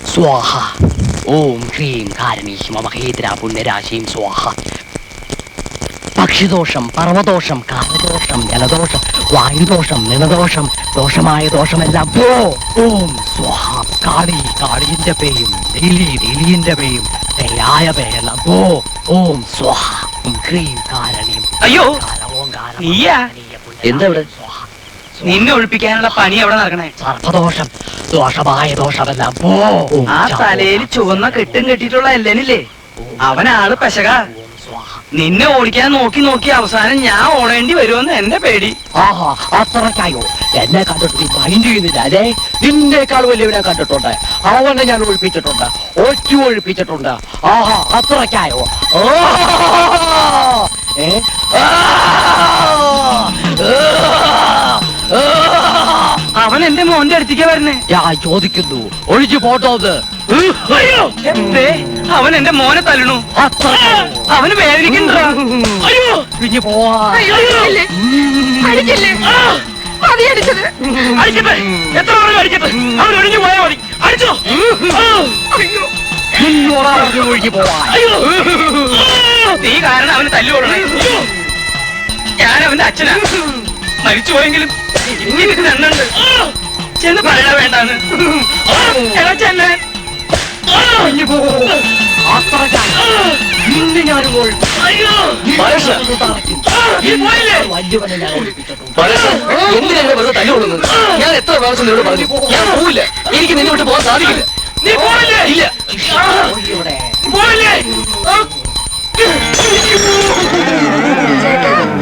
സ്വാഹ. ഓം ഹ്രീം കാരണി മമഹേന്ദ്ര പുണ്യരാശിയും സ്വാഹ. പക്ഷിദോഷം, പർവ്വദോഷം, കാലദോഷം, ജലദോഷം, വായുദോഷം, നിലദോഷം, ദോഷമായ ദോഷമെല്ലാം പോ. ഓം സ്വാഹ. കാളി കാളിന്റെ പേയും നീലിന്റെ പേയും പേയായ പേയെല്ലാം പോ. ഓം സ്വാഹ. ഹ്രീം കാരണീം. അയ്യോ നീയാ? എന്താ ഇവിടെ? നിന്നെ ഒഴിപ്പിക്കാനുള്ള പണി എവിടെ നടക്കണേ? സർപ്പദോഷം, ദോഷമായ ദോഷമെല്ലാം പോ. ആ തലയിൽ ചുവന്ന കെട്ടും കെട്ടിയിട്ടുള്ള എല്ലനില്ലേ, അവനാണ് പെശക. നിന്നെ ഓടിക്കാൻ നോക്കി നോക്കി അവസാനം ഞാൻ ഓടേണ്ടി വരുമെന്ന് എന്റെ പേടി. ആഹാ, അത്രക്കായോ? എന്നെ കണ്ടിട്ട് മൈൻഡ് ചെയ്യുന്നില്ല അല്ലേ? നിന്നേക്കാൾ വലിയവനെ കണ്ടിട്ടുണ്ട്. അവനെ ഞാൻ ഒഴിപ്പിച്ചിട്ടുണ്ട്, ഒഴിപ്പിച്ചിട്ടുണ്ട്. ആഹാ, അത്രക്കായോ? അവൻ എന്റെ മോന്റെ അടുത്തേക്ക് വരണേ. ഞാൻ ചോദിക്കുന്നു, ഒഴിച്ചു പോട്ടോത്. അവൻ എന്റെ മോനെ തല്ലണു. അവന് വേദനിക്കണ്ട. അയ്യോ, പിരിഞ്ഞു പോവാ. എത്ര അടിക്കട്ടെ, അവൻ ഒഴിഞ്ഞു പോയാൽ മതി. അടിച്ചോ. ഒഴിഞ്ഞു പോവാ. നീ കാരണം അവന് തല്ലുകൊള്ളണേ. ഞാൻ അവന്റെ അച്ഛനാ. മരിച്ചു പോയെങ്കിലും എനിക്ക് രണ്ടുണ്ട്. ചെന്ന് പറയണ വേണ്ടാന്ന്. എടാ ചെന്നെ. ഞാൻ എത്ര പ്രാവശ്യം നിന്നോട് പറഞ്ഞു ഞാൻ പോവില്ല, എനിക്ക് നിന്നെ വിട്ട് പോകാൻ സാധിക്കില്ല. നീ പോയില്ലേ? ഇല്ല. പോയില്ലേ?